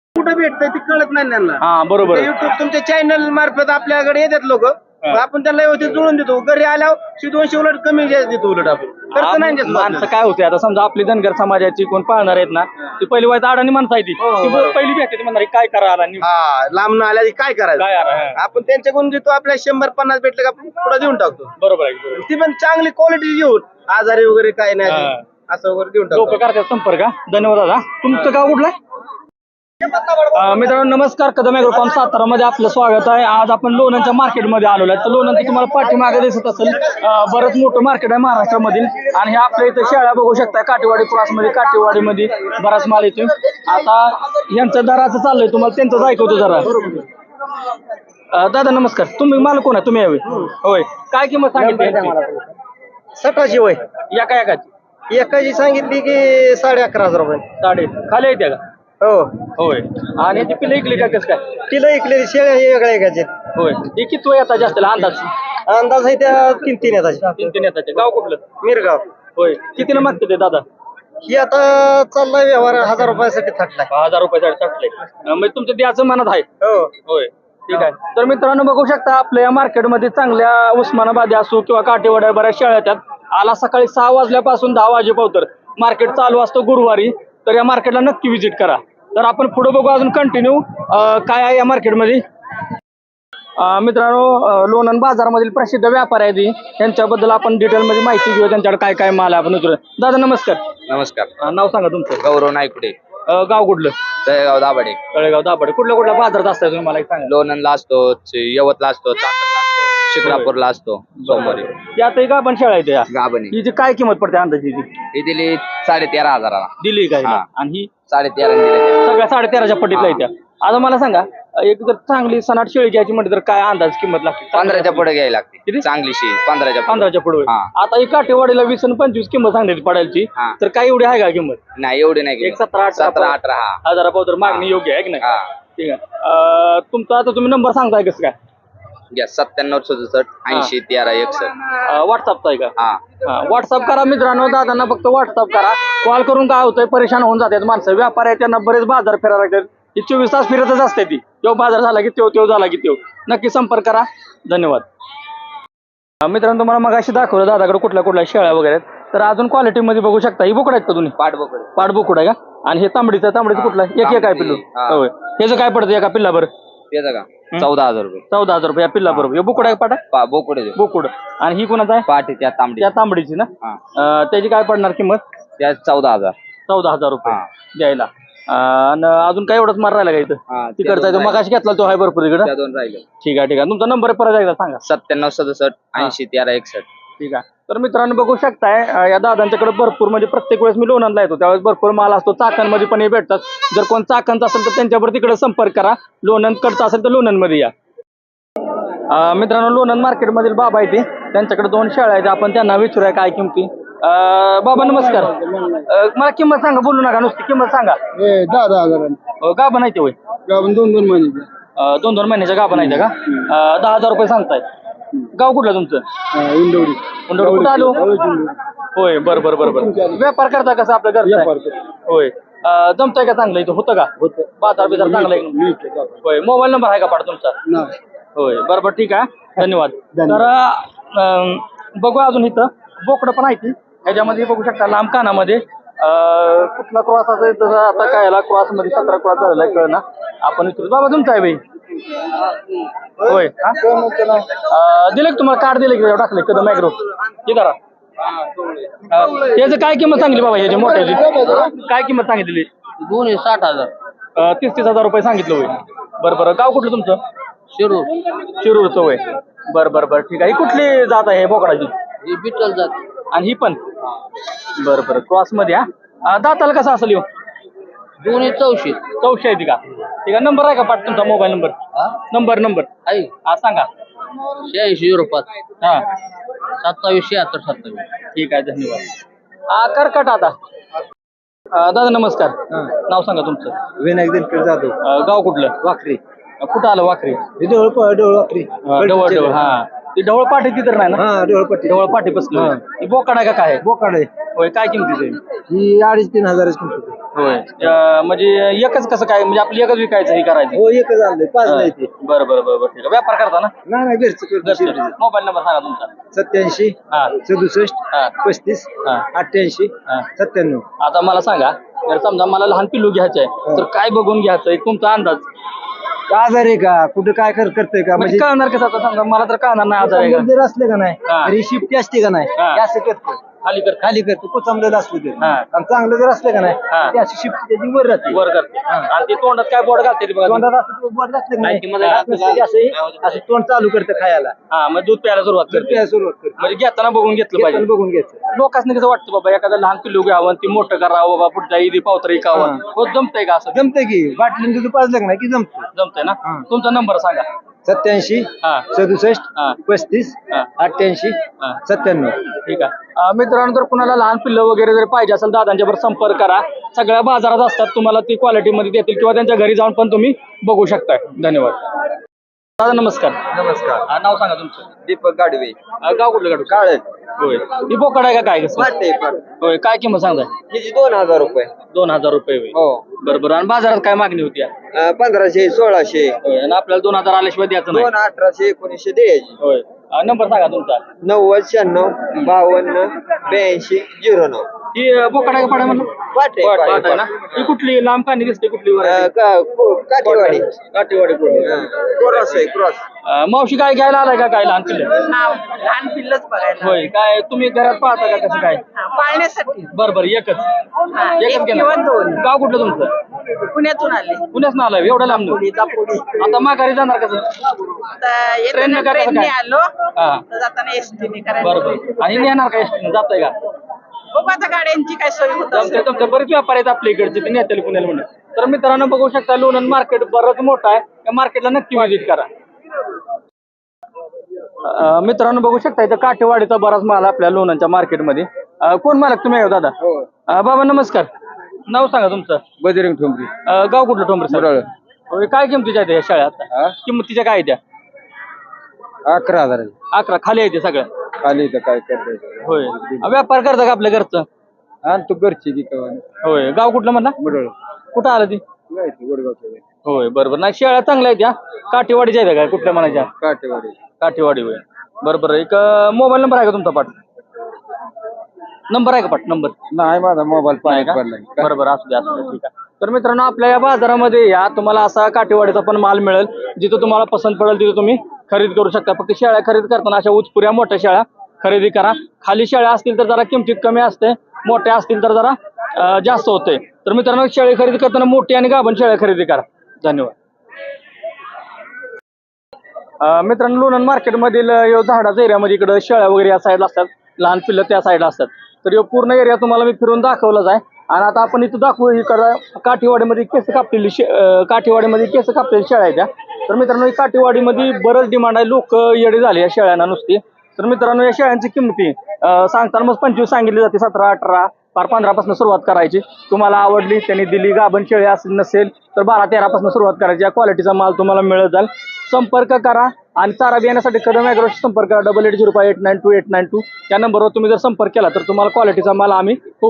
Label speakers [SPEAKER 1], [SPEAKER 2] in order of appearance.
[SPEAKER 1] कुठं भेटतंय ते कळत नाही त्यांना.
[SPEAKER 2] हा बरोबर आहे.
[SPEAKER 1] युट्यूब तुमच्या चॅनल मार्फत आपल्याकडे येतात लोक, आपण त्यांना व्यवस्थित जुळून देतो. घरी आल्यावर 200 उलट कमी देतो उलट आपण खर्च नाही देत
[SPEAKER 2] माणसं काय होते आता समजा आपली धनगर समाजाची कोण पाळणार आहेत ना ती पहिली वाईट अडाणी माणसं आहे ती पहिली भेटते म्हणणार काय करा आला
[SPEAKER 1] हा लांब आल्या काय करायचं.
[SPEAKER 2] काय आला
[SPEAKER 1] आपण त्यांच्याकडून घेतो, आपल्या 100-50 भेटले का आपण पुढे देऊन टाकतो.
[SPEAKER 2] बरोबर आहे.
[SPEAKER 1] ती पण चांगली क्वालिटी घेऊन आजारी वगैरे काय नाही असं वगैरे देऊन
[SPEAKER 2] लोक
[SPEAKER 1] टाकतो.
[SPEAKER 2] करतात संपर्क. धन्यवाद दादा. तुमचं गाव कुठलं? मित्रांनो नमस्कार. कदम ॲग्रोकॉम सातारा मध्ये आपलं स्वागत आहे. आज आपण लोणंदच्या मार्केटमध्ये आलेलो आहे. तर लोणंद तुम्हाला पाठीमागे दिसत असेल बरंच मोठं मार्केट आहे महाराष्ट्रामधील. आणि हे आपल्या इथं शेळ्या बघू शकता काटेवाडी क्रॉसमध्ये, काटेवाडीमध्ये बराच माल येतो. आता यांचं दराचं चाललंय, तुम्हाला त्यांचंच ऐकवतो जरा. दादा नमस्कार. तुम्ही माल कोण आहे? तुम्ही यावे होय. काय किंमत सांगितली?
[SPEAKER 1] 1700 वय
[SPEAKER 2] एका एकाची
[SPEAKER 1] एकाची सांगितली की 11,500 रुपये.
[SPEAKER 2] साडे खाली येते का?
[SPEAKER 1] हो
[SPEAKER 2] होय. आणि ती पिल्लं इकली का कसं काय?
[SPEAKER 1] किलो इकलेली शेळ्या हे वेगळ्या एकाचे.
[SPEAKER 2] होय. हे किती येतात जास्त अंदाज?
[SPEAKER 1] अंदाज आहे त्या 3-3 येताचे.
[SPEAKER 2] 3 येताचे. गाव कुठलं?
[SPEAKER 1] मिरगाव.
[SPEAKER 2] होय. कितीला मागते ते दादा?
[SPEAKER 1] ही आता चाललाय व्यवहार 1000 रुपयासाठी थकलाय.
[SPEAKER 2] 1000 रुपयासाठी टाकले. म्हणजे तुमचं द्याचं मनात आहे.
[SPEAKER 1] हो
[SPEAKER 2] होय. ठीक आहे. तर मित्रांनो बघू शकता आपल्या या मार्केटमध्ये चांगल्या उस्मानाबादी असो किंवा काटेवाड्या बऱ्याच शेळ्या येतात. आला सकाळी 6 वाजल्यापासून 10 वाजेपर्यंत मार्केट चालू असतं गुरुवारी. तर या मार्केटला नक्की व्हिजिट करा. तर आपण पुढे बघू अजून कंटिन्यू काय आहे या मार्केटमध्ये. मित्रांनो लोणंद बाजारामधील प्रसिद्ध व्यापारी आहेत त्यांच्याबद्दल आपण डिटेलमध्ये माहिती घेऊ. त्यांच्याकडे काय काय माल आहे आपण विचारू. दादा नमस्कार.
[SPEAKER 3] नमस्कार.
[SPEAKER 2] नाव सांगा तुमचं.
[SPEAKER 3] गौरव नायकुडे.
[SPEAKER 2] गाव कुठलं?
[SPEAKER 3] तळेगाव दाभाडे.
[SPEAKER 2] तळेगाव दाभाडे. कुठल्या बाजारात असताय तुम्ही मला एक सांगा.
[SPEAKER 3] लोणंदला असतो, यवतला असतो, चाकणला असतो, शिक्रापूरला असतो सोमवारी.
[SPEAKER 2] यातही का पण शेळ्या आहेत या?
[SPEAKER 3] गाभणी
[SPEAKER 2] हिची काय किंमत पडते अंदाजी?
[SPEAKER 3] ही दिली 13,500
[SPEAKER 2] दिली काय?
[SPEAKER 3] हा.
[SPEAKER 2] आणि ही
[SPEAKER 3] 13,500 दिले.
[SPEAKER 2] सगळ्या 13,500च्या पट्टीतला येत्या. आता मला सांगा एक जर चांगली सनाट शेळी घ्यायची म्हटलं तर काय अंदाज किंमत लागते?
[SPEAKER 3] 15च्या पुढे घ्यायला लागते.
[SPEAKER 2] किती?
[SPEAKER 3] चांगलीशी 15च्या पुढे.
[SPEAKER 2] 15च्या पुढे.
[SPEAKER 3] हा.
[SPEAKER 2] आता ही काठेवाडीला 20 आणि 25 किंमत सांगण्याची पडायची.
[SPEAKER 3] हा.
[SPEAKER 2] तर काय एवढी आहे का किंमत?
[SPEAKER 3] नाही एवढी नाही
[SPEAKER 2] एक 17-18
[SPEAKER 3] हा.
[SPEAKER 2] हजारापासून मागणी योग्य आहे की नाही?
[SPEAKER 3] हा.
[SPEAKER 2] ठीक आहे. तुमचा आता तुम्ही नंबर सांगताय कसं काय?
[SPEAKER 3] घ्या 9767 80 13 61.
[SPEAKER 2] व्हॉट्सअपचा आहे का?
[SPEAKER 3] हा.
[SPEAKER 2] व्हॉट्सअप करा मित्रांनो. दादांना फक्त व्हॉट्सअप करा. कॉल करून काय होतंय परेशान होऊन जातात माणसं. व्यापार आहे त्यांना बरेच बाजार फिरायला लागतात. ती 24 तास फिरतच असते ती. तो बाजार झाला की तो झाला की तो. नक्की संपर्क करा. धन्यवाद. मित्रांनो तुम्हाला मग अशी दाखवलं दादाकडे कुठल्या शेळ्या वगैरे आहेत. तर अजून क्वालिटीमध्ये बघू शकता. ही बोकड आहेत का तुम्ही?
[SPEAKER 3] पाठबोकड.
[SPEAKER 2] पाठबोकड आहे का? आणि हे तांबडीचं कुठलं? एक आहे पिल्लू. होय. ह्याचं काय पडतं एका पिल्लावर?
[SPEAKER 3] त्याचं का 14,000 रुपये.
[SPEAKER 2] 14,000 रुपये या पिल्ला बरोबर. हे बोकड आहे पाटा?
[SPEAKER 3] बोकड
[SPEAKER 2] बोकुड. आणि ही कोणाचा आहे?
[SPEAKER 3] पाठी त्या तांबडी.
[SPEAKER 2] त्या तांबडीची ना? त्याची काय पडणार किंमत?
[SPEAKER 3] त्या 14,000.
[SPEAKER 2] 14,000 रुपये
[SPEAKER 3] हा.
[SPEAKER 2] द्यायला. आणि अजून काय एवढंच मार राहिला का इथं? तिकडचा आहे तो मग अशी घेतला तो आहे भरपूर इकडं.
[SPEAKER 3] त्या 2 राहिले.
[SPEAKER 2] ठीक आहे. तुमचा नंबर परत एकदा सांगा.
[SPEAKER 3] 9767 80 13 61.
[SPEAKER 2] ठीक आहे. तर मित्रांनो बघू शकताय या दादांच्याकडे भरपूर म्हणजे प्रत्येक वेळेस मी लोणंदला येतो त्यावेळेस भरपूर माल असतो. चाकणमध्ये पण हे भेटतात. जर कोण चाकणचा असेल तर त्यांच्यावर तिकडे संपर्क करा. लोणंदकडचा असेल तर लोणंदमध्ये या. मित्रांनो लोणंद मार्केटमधील बाबा आहे ते. त्यांच्याकडे 2 शेळ्या आहेत. आपण त्यांना विचारूया काय किमती. बाबा नमस्कार. मला किंमत सांगा. बोलू नका नुसती किंमत सांगा.
[SPEAKER 1] 10,000
[SPEAKER 2] गाभा नाही ते होय?
[SPEAKER 1] 2 महिने
[SPEAKER 2] 2 महिन्याच्या गाभा नाही का? 10,000 रुपये सांगताय. गाव कुठलं तुमचं?
[SPEAKER 1] इंदोरी.
[SPEAKER 2] कुठं आलो? होय. बरं. व्यापार करता कसं आपल्या घरचा? होय. जमतंय का चांगलं इथं? होतं का बाजार बिजार चांगला आहे? होय. मोबाईल नंबर आहे का पाठ तुमचा? होय. बरोबर. ठीक आहे. धन्यवाद. तर बघू अजून इथं बोकडं पण आहे ती. ह्याच्यामध्ये बघू शकता लांब कानामध्ये कुठला क्रॉस असेल तसं आता काय क्रॉस मध्ये 17 क्रॉस झालेला आहे कळना. आपण विचारू. बाबा तुमचा आहे बाई? होय. दिले तुम्हाला कार्ड दिले की टाकले कदम ॲग्रो? हे करा. त्याचं काय किंमत सांगितली बाबा ह्याची मोठ्याची? काय किंमत सांगितली?
[SPEAKER 3] 60,000.
[SPEAKER 2] 30,000 रुपये सांगितलं होय. बरं. गाव कुठलं तुमचं? शिरूरचं होय. बरं. ठीक आहे. ही कुठली जात आहे बोकडाची?
[SPEAKER 3] ही बिटल जात.
[SPEAKER 2] आणि ही पण? बरं. क्रॉस मध्ये हा. दाताला कसं असेल येऊ?
[SPEAKER 3] दोन्ही 400.
[SPEAKER 2] 400 आहे ती का? ठीक आहे. नंबर आहे का पाठ तुमचा मोबाईल नंबर? नंबर
[SPEAKER 3] आहे.
[SPEAKER 2] हा सांगा.
[SPEAKER 3] 8605
[SPEAKER 2] हा
[SPEAKER 3] 27 76 27.
[SPEAKER 2] ठीक आहे. धन्यवाद. करकट आता. दादा नमस्कार. नाव सांगा तुमचं.
[SPEAKER 1] विनायक दिनकर जाधव.
[SPEAKER 2] गाव कुठलं?
[SPEAKER 1] वाखरी.
[SPEAKER 2] कुठं आलं वाखरी?
[SPEAKER 1] वाखरी.
[SPEAKER 2] डवळ. हा. ती ढवळ पाठी ती तर नाही ना?
[SPEAKER 1] हा ढोळपट्टी
[SPEAKER 2] ढवळ पाठी बसली ही बोकाड आहे का काय आहे?
[SPEAKER 1] बोकाड आहे
[SPEAKER 2] होय काय किमतीच आहे?
[SPEAKER 1] ही 2,500-3,000 किंमत आहे.
[SPEAKER 2] होय म्हणजे एकच कसं काय म्हणजे आपलं एकच विकायचं हे करायचं?
[SPEAKER 1] हो एकच आणलंय 5 नाही ते
[SPEAKER 2] बरं बरं बरं बरं ठीक आहे व्यापार करता ना?
[SPEAKER 1] नाही घरचं करतो
[SPEAKER 2] मोबाईल नंबर सांगा तुमचा.
[SPEAKER 1] 87
[SPEAKER 2] हा
[SPEAKER 1] 67
[SPEAKER 2] हा
[SPEAKER 1] 35
[SPEAKER 2] हा
[SPEAKER 1] 88
[SPEAKER 2] हा.
[SPEAKER 1] 97.
[SPEAKER 2] आता मला सांगा जर समजा मला लहान पिल्लू घ्यायचं आहे तर काय बघून घ्यायचं आहे तुमचा अंदाज
[SPEAKER 1] आजार आहे का कुठं काय करतंय का
[SPEAKER 2] म्हणजे कळणार कसं आता समजा मला तर कळणार नाही आजार आहे का
[SPEAKER 1] जर असले का नाही
[SPEAKER 2] हा.
[SPEAKER 1] तरी शिफ्टी असते का नाही
[SPEAKER 2] हा.
[SPEAKER 1] ते असं करतं
[SPEAKER 2] खाली कर
[SPEAKER 1] खाली करतो कुचमलेलं असलं तरी
[SPEAKER 2] हा.
[SPEAKER 1] आणि चांगलं जर असलं का नाही
[SPEAKER 2] हा.
[SPEAKER 1] ते अशी शिफ्टी त्याची वर राहते
[SPEAKER 2] वर करते आणि ते तोंडात काय बोर्ड घालते ते बघा तुम्ही.
[SPEAKER 1] तोंडात असं बोट घातलं का
[SPEAKER 2] नाही, ती
[SPEAKER 1] नाही
[SPEAKER 2] मध्ये
[SPEAKER 1] असं नसतं की असं तोंड चालू करतं खायला
[SPEAKER 2] हा मग दूध प्यायला सुरुवात
[SPEAKER 1] तर
[SPEAKER 2] करते
[SPEAKER 1] ते सुरुवात करतं
[SPEAKER 2] म्हणजे घेताना बघून घेतलं
[SPEAKER 1] घेताना
[SPEAKER 2] पाहिजे
[SPEAKER 1] बघून घ्यायचं
[SPEAKER 2] लोकांनी कसं वाटतं बाबा एखादं लहान पिल्लू घ्यावं ती मोठं करावं बाबा पुढच्या ईदी पावतर इकावं
[SPEAKER 1] हा.
[SPEAKER 2] हो जमतंय का असं
[SPEAKER 1] जमतंय की बाटलीन दूध पाजलं का नाही की जमतं
[SPEAKER 2] जमतंय ना
[SPEAKER 1] हा.
[SPEAKER 2] तुमचा नंबर सांगा
[SPEAKER 1] 87
[SPEAKER 2] हा
[SPEAKER 1] 67
[SPEAKER 2] हा
[SPEAKER 1] 35
[SPEAKER 2] हा
[SPEAKER 1] 88
[SPEAKER 2] हा
[SPEAKER 1] 97.
[SPEAKER 2] ठीक आहे मित्रांनो जर कुणाला लहान पिल्लं वगैरे जर पाहिजे असेल दादांच्या बरोबर संपर्क करा सगळ्या बाजारात असतात तुम्हाला ती क्वालिटी मध्ये देतील किंवा त्यांच्या घरी जाऊन पण तुम्ही बघू शकताय धन्यवाद दादा नमस्कार
[SPEAKER 1] नमस्कार
[SPEAKER 2] नाव सांगा तुमचं
[SPEAKER 1] दीपक गाडवे
[SPEAKER 2] गाव कुठलं गाडू
[SPEAKER 1] काळ
[SPEAKER 2] होय ही बोकड आहे का काय कसं
[SPEAKER 1] वाटते
[SPEAKER 2] होय काय किंमत सांगताय
[SPEAKER 1] हिची 2,000 रुपये
[SPEAKER 2] 2,000 रुपये होय
[SPEAKER 1] हो
[SPEAKER 2] बरोबर आणि बाजारात काय मागणी होती
[SPEAKER 1] 1500 1600
[SPEAKER 2] होय आणि आपल्याला 2,000 आल्याशिवाय द्यायचं नाही
[SPEAKER 1] 1800 1900 द्यायची
[SPEAKER 2] होय नंबर सांगा तुमचा
[SPEAKER 1] 90 96 52 82 09.
[SPEAKER 2] ही बोकड आहे का पाड्या म्हणलं
[SPEAKER 1] वाटे
[SPEAKER 2] पाट आहे ना ही कुठली लांब कानी दिसते कुठली variety?
[SPEAKER 1] काठीवाडी
[SPEAKER 2] काठीवाडी कुठली?
[SPEAKER 1] क्रॉस आहे क्रॉस
[SPEAKER 2] मावशी काय घ्यायला आलाय का काय लहान पिल्लं
[SPEAKER 4] लहान पिल्लच बघायला
[SPEAKER 2] होय काय तुम्ही घरात पाहता का कसं काय
[SPEAKER 4] पाळण्यासाठी
[SPEAKER 2] बरं बरं एकच
[SPEAKER 4] एक
[SPEAKER 2] एकच
[SPEAKER 4] किंवा दोन.
[SPEAKER 2] गाव कुठलं तुमचं
[SPEAKER 4] पुण्यातून आले
[SPEAKER 2] पुण्याच ना आलाय एवढं लांब
[SPEAKER 4] पुढीचा पुढी
[SPEAKER 2] आता माघारी जाणार कसं
[SPEAKER 4] आता
[SPEAKER 2] ट्रेनने
[SPEAKER 4] येताना
[SPEAKER 2] करायचं
[SPEAKER 4] ट्रेनने
[SPEAKER 2] काय?
[SPEAKER 4] आलो
[SPEAKER 2] हा
[SPEAKER 4] तर जाताना एसटीने करायला
[SPEAKER 2] बरं बरं आणि नेणार का एसटीने जाताय का
[SPEAKER 4] बघू आता गाड्यांची काय सोय होत
[SPEAKER 2] जमते
[SPEAKER 4] असेल.
[SPEAKER 2] जमते बरेच व्यापार आहेत आपल्या इकडचे ते नेत्याला पुण्याला म्हणून तर मित्रांनो बघू शकता लोणंद मार्केट बरंच मोठं आहे त्या मार्केटला नक्की व्हिजिट करा मित्रांनो बघू शकता इथं काठेवाडीचा बराच माल आपल्या लोणंदच्या मार्केटमध्ये कोण मालक तुम्ही आहे दादा बाबा नमस्कार नाव सांगा तुमचं
[SPEAKER 1] बजरंग ठोंबरी
[SPEAKER 2] गाव कुठलं टोंबरे सर
[SPEAKER 1] मुरळ.
[SPEAKER 2] होय, काय किमतीच्या आहेत या शाळा आता किंमतीच्या काय आहेत त्या
[SPEAKER 1] 11,000
[SPEAKER 2] 11 खाली आहे ते सगळ्या
[SPEAKER 1] खाली तर काय करताय
[SPEAKER 2] होय व्यापार करता का आपल्या घरचं
[SPEAKER 1] आणि तू घरची ती कवा
[SPEAKER 2] होय गाव कुठलं म्हणला
[SPEAKER 1] मुरळ
[SPEAKER 2] कुठं आलं ती
[SPEAKER 1] गोडगावच्या
[SPEAKER 2] होय बरोबर नाही शेळ्या चांगल्या आहेत या काठीवाडीच्या आहेत काय कुठल्या म्हणायच्या
[SPEAKER 1] काठेवाडी
[SPEAKER 2] काठीवाडी होय बरोबर एक मोबाईल नंबर आहे का तुमचा पाठ नंबर आहे का पाठ नंबर
[SPEAKER 1] नाही माझा मोबाईल
[SPEAKER 2] नाही का
[SPEAKER 1] पडलाय
[SPEAKER 2] बरोबर असू द्या ठीक आहे तर मित्रांनो आपल्या या बाजारामध्ये या तुम्हाला असा काठीवाडीचा पण माल मिळेल जिथं तुम्हाला पसंत पडेल तिथं तुम्ही खरेदी करू शकता फक्त शेळ्या खरेदी करताना अशा उचपुऱ्या मोठ्या शेळ्या खरेदी करा खाली शेळ्या असतील तर जरा किमतीत कमी असते मोठ्या असतील तर जरा जास्त होते तर मित्रांनो शेळी खरेदी करताना मोठी आणि गाभण शेळ्या खरेदी करा धन्यवाद मित्रांनो लोणंद मार्केटमधील झाडाच्या एरियामध्ये इकडं शेळ्या वगैरे या साईडला असतात लहान पिल्लं त्या साईडला असतात तर यो पूर्ण एरिया तुम्हाला मी फिरून दाखवलाच आहे आणि आता आपण इथं दाखवू इकडं काठीवाडीमध्ये केस कापलेली काठीवाडीमध्ये केस कापलेली शेळ्या आहेत त्या तर मित्रांनो ही काठीवाडीमध्ये बरंच डिमांड आहे लोक येडे झाले या शेळ्यांना नुसती तर मित्रांनो या शेळ्यांची किंमती सांगताना मग 25 सांगितली जाते 17 18 फार 15 पासून सुरुवात करायची तुम्हाला आवडली त्यांनी दिली गाभण शेळी असेल नसेल तर 12 13 पासून सुरुवात करायची या क्वालिटीचा माल तुम्हाला मिळत जाईल संपर्क करा आणि चारा बियाण्यासाठी कदम ॲग्रोशी संपर्क करा 8805892892 या नंबरवर तुम्ही जर संपर्क केला तर तुम्हाला क्वालिटीचा माल आम्ही